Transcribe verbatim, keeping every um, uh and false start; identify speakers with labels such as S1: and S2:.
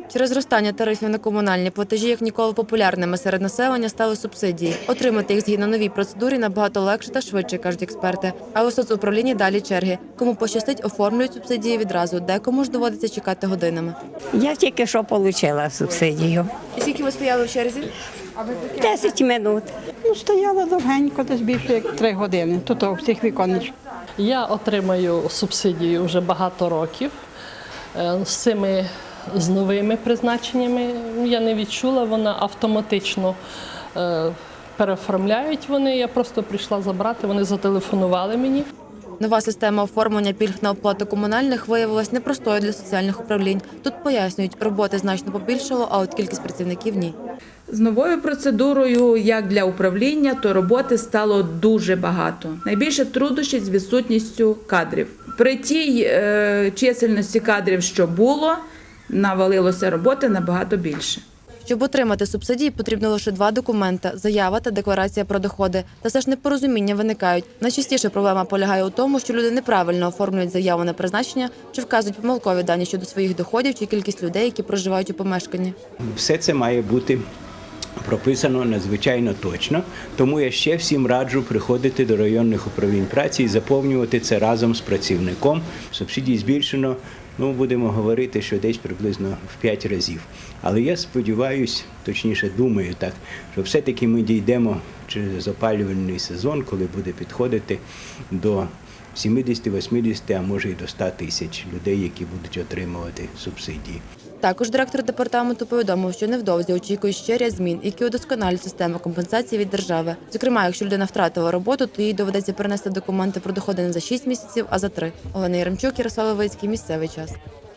S1: Через зростання тарифів на комунальні платежі, як ніколи популярними серед населення, стали субсидії. Отримати їх згідно новій процедурі набагато легше та швидше, кажуть експерти. А у соцуправлінні далі черги. Кому пощастить, оформлюють субсидії відразу, декому ж доводиться чекати годинами.
S2: Я тільки що отримала субсидію.
S1: І скільки ви стояли в черзі?
S2: Десять минут.
S3: Ну, стояла довгенько, десь більше як три години. Тут у всіх віконечках.
S4: Я отримаю субсидію вже багато років. Е, З цими з новими призначеннями я не відчула, вона автоматично е, переоформляють вони. Я просто прийшла забрати, вони зателефонували мені.
S1: Нова система оформлення пільг на оплату комунальних виявилась непростою для соціальних управлінь. Тут пояснюють, роботи значно побільшало, а от кількість працівників – ні.
S5: З новою процедурою, як для управління, то роботи стало дуже багато. Найбільше труднощів з відсутністю кадрів. При тій е, чисельності кадрів, що було, навалилося роботи набагато більше.
S1: Щоб отримати субсидії, потрібно лише два документи – заява та декларація про доходи. Та все ж непорозуміння виникають. Найчастіше проблема полягає у тому, що люди неправильно оформлюють заяву на призначення чи вказують помилкові дані щодо своїх доходів чи кількість людей, які проживають у помешканні.
S6: Все це має бути прописано надзвичайно точно, тому я ще всім раджу приходити до районних управлінь праці і заповнювати це разом з працівником. Субсидії збільшено, ну, будемо говорити, що десь приблизно в п'ять разів. Але я сподіваюся, точніше думаю так, що все-таки ми дійдемо через опалювальний сезон, коли буде підходити до сімдесят-вісімдесят, а може і до ста тисяч людей, які будуть отримувати субсидії.
S1: Також директор департаменту повідомив, що невдовзі очікує ще ряд змін, які удосконалять систему компенсації від держави. Зокрема, якщо людина втратила роботу, то їй доведеться перенести документи про доходи не за шість місяців, а за три. Олена Яремчук, Ярослав Левицький, місцевий час.